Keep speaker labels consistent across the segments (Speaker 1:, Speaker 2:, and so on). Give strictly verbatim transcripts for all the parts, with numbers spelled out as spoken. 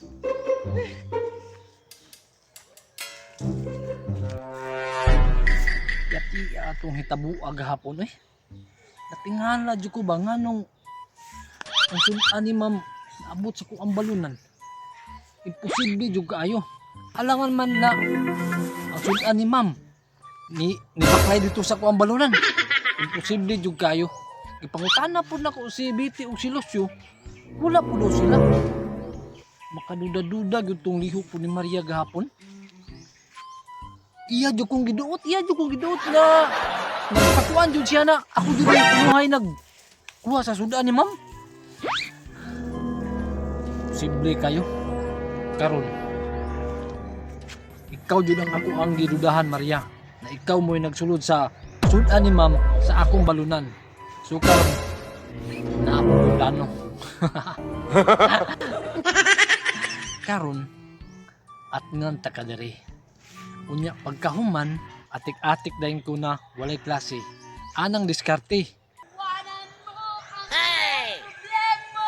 Speaker 1: Yati atong hitabo agahapon eh. Natingala jud ko ba nga nung ang sunan ni ma'am naabot sa kuang balunan. Imposible jud kaayo. Alangan man na ang sunan ni ma'am ni ni baklay dito sa kuang balunan. Imposible jud kaayo. Ipangutana po na ko si Betty o si Lucio. Wala po daw sila. Makaduda-duda jud tong lihok po ni Maria gahapon. Iya jud kong giduot, iya jud kong giduot na nagpatuan jud siya na ako jud yung pinuhay nag kuha sa sudan ni ma'am. Posible kayo. Karon. Ikaw jud ang ako ang gidudahan, Maria, na ikaw mo'y nagsulod sa sudan ni ma'am sa akong balunan. So karon na ako yung plano. Karon at ngan ta ka diri. Unya pagkahuman, atik-atik dahin ko na walay klase. Anang diskarte.
Speaker 2: Wanan mo ang hey! problema!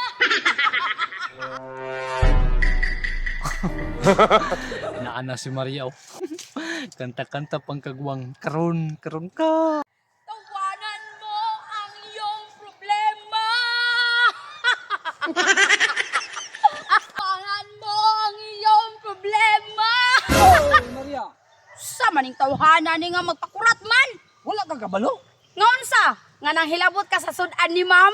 Speaker 1: Naana si Maria oh. Kanta-kanta pang kagwang karon karon ka.
Speaker 2: Tawanan mo ang iyong problema! Tawanan mo ang iyong problema!
Speaker 1: Oh, Maria,
Speaker 2: Sa maning tawhanan ni nga magpakurat man!
Speaker 1: wala ka kabalo?
Speaker 2: Ngaon sa? Nga nang hilabot ka sa sudan ni ma'am?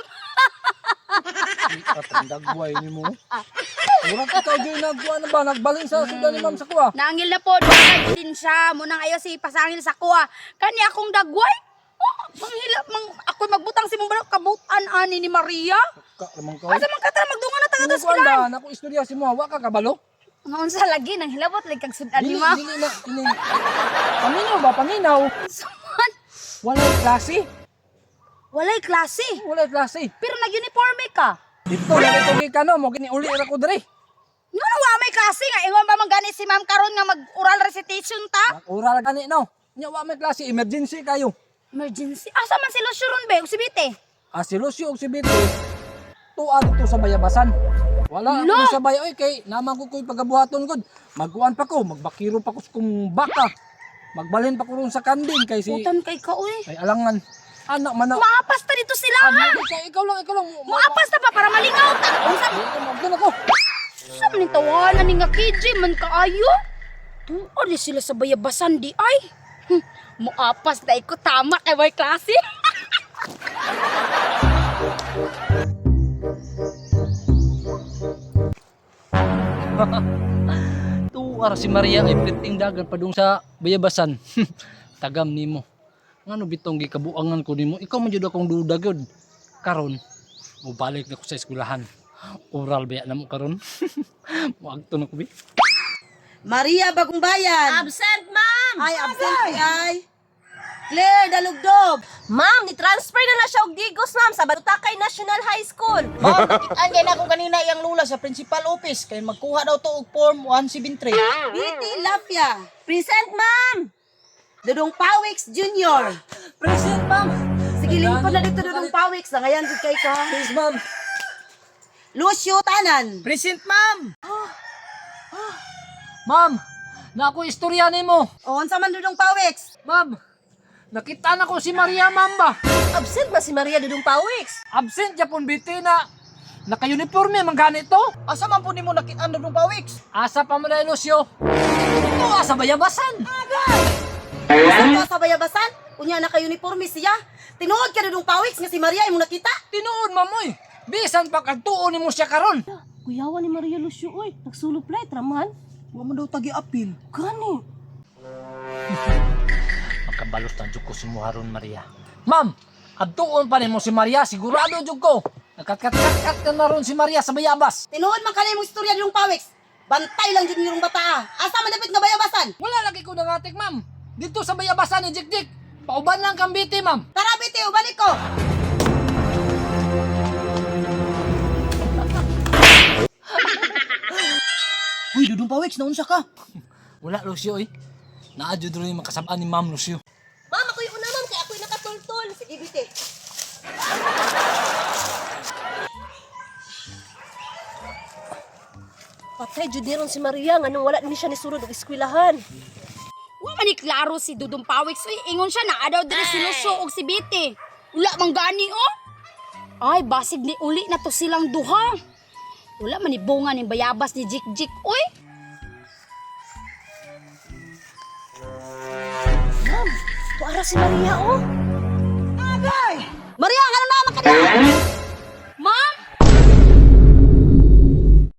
Speaker 1: Katandagway ni mo. Murag ikaw dyan nagkuha na ba? Nagbalin sa sudan ni ma'am sa kuha.
Speaker 2: Nangil na po, doon din siya. Munang ayo si pasangil sa kuha. Kani akong dagway? Oh, manghila, mang, ako'y magbutang si mong kabutan ani ni Maria.
Speaker 1: Ka, lamang ka.
Speaker 2: Asa man ka tara magdungan na taga
Speaker 1: Ano
Speaker 2: sa
Speaker 1: ba
Speaker 2: eskwelahan?
Speaker 1: ba? Naku istorya si mo. Wa ka kabalo?
Speaker 2: Ngaon sa lagi nang hilabot like kag sudan ni
Speaker 1: Dili,
Speaker 2: ma'am.
Speaker 1: dili na. Dili. Paminaw ba? Paminaw.
Speaker 2: Saman,
Speaker 1: Walay klase.
Speaker 2: walay klase.
Speaker 1: Walay klase.
Speaker 2: Pero nag-uniforme ka.
Speaker 1: Dito, nagituloy ka no. Mo giniuli ra ko diri.
Speaker 2: Nga na wa may klase nga. Ingon ba man gani si ma'am karon nga mag-oral recitation ta?
Speaker 1: Oral gani no. Nya wa may klase. Emergency kayo.
Speaker 2: Emergency. Asa man si Lucio ron be? O si Bite?
Speaker 1: Ah, si Lucio ug si Betty. Tuwa dito sa bayabasan. Wala
Speaker 2: Lo!
Speaker 1: ako sa bayo. Oy, kay naman ko ko'y pagabuhaton gud. Magkuan pa ko. Magbakiro pa ko sa kong baka. Magbalhin pa ko ron sa kanding kay si...
Speaker 2: Utan kay ka uy.
Speaker 1: Ay alangan. Anak man na.
Speaker 2: Maapas ta dito sila ha.
Speaker 1: Ano, ikaw, ikaw lang, ikaw lang.
Speaker 2: Maapas ta pa para malingaw ta. Unsa
Speaker 1: Magdun ako.
Speaker 2: Sa maning tawanan ni nga K J man kaayo? Tuon ni sila sa bayabasan di ay. Hm, Muapas na ko tama kay may klase.
Speaker 1: Tuwar si Maria ay priting dagan padung sa bayabasan. Tagam nimo. Ngano bitong gikabuangan ko nimo? Ikaw man jud akong duda gyud. Karon, mubalik na ko sa eskwelahan. Oral ba na mo karon? Muagto na ko bi.
Speaker 3: Maria Bagong Bayan.
Speaker 2: Absent, ma'am.
Speaker 3: Ay, absent si ay. Claire Dalugdob.
Speaker 4: Ma'am, ni-transfer na na siya og Digos, ma'am, sa Barutakay National High School.
Speaker 5: Ma'am, nakitaan kay na ako kanina iyang lula sa principal office kay magkuha daw to og form one seventy-three.
Speaker 3: Viti Lafia. Present, ma'am. Dudong Pawix Junior.
Speaker 1: Present, ma'am.
Speaker 3: Sige, lingkod na dito Dudong Pawix. Na ngayon, good kay ka.
Speaker 1: Please, ma'am.
Speaker 3: Lucio Tanan.
Speaker 5: Present, ma'am.
Speaker 1: Ma'am, na ako istorya nimo.
Speaker 3: O, unsa man Dudong Pawix?
Speaker 1: Ma'am, nakita na ko si Maria Mamba.
Speaker 4: Absent ba si Maria Dudong Pawix?
Speaker 1: Absent Japon biti na naka-uniforme man ganito.
Speaker 5: Asa man po nimo nakita dong pawiks?
Speaker 1: Asa pa mo na Lucio? Ito sa bayabasan.
Speaker 3: Usa ka sa bayabasan? Unya naka-uniforme siya. Tinuod ka Dudong Pawix nga si Maria imong nakita.
Speaker 1: Tinuod mamoy. Bisan pa kadtuon nimo siya karon.
Speaker 4: Kuyawan ni Maria Lucio, oy. Nagsulog play, traman.
Speaker 5: Wa man daw tagi-apil.
Speaker 4: Gani.
Speaker 1: Makabalos na jud ko si Muharon Maria. Ma'am, adtuon pa nimo si Maria sigurado jud ko. Nakakat-kat ka na ron si Maria sa bayabas.
Speaker 3: Tinuod man kanay imong istorya Dudong Pawix. Bantay lang jud nirong bata. ah. Asa man dapit nga bayabasan?
Speaker 1: Wala lagi ko nangatik, ma'am. Dito sa bayabasan ni Jikjik. Pauban lang kang biti, ma'am.
Speaker 3: Tara biti, balik ko.
Speaker 5: Uy, dudong pawiks naunsa ka?
Speaker 1: Wala, Lucio, eh. Naadyo rin yung makasabaan ni Ma'am Lucio.
Speaker 4: Ma'am, ako'y una, ma'am, kaya ako'y nakatultol.
Speaker 3: Sige biti.
Speaker 4: Patay jud ni ron si Maria nga nung wala ni siya ni sulod og eskwelahan.
Speaker 2: Wa man ni klaro si Dudong Pawik. So, ingon siya na adaw diri si Lucio og si Biti. Wala man gani oh. Ay, basig ni uli na to silang duha. Wala man ni bunga ni bayabas ni Jik Jik oy.
Speaker 4: Ma'am, tuara si Maria oh.
Speaker 3: Maria, ano na makita?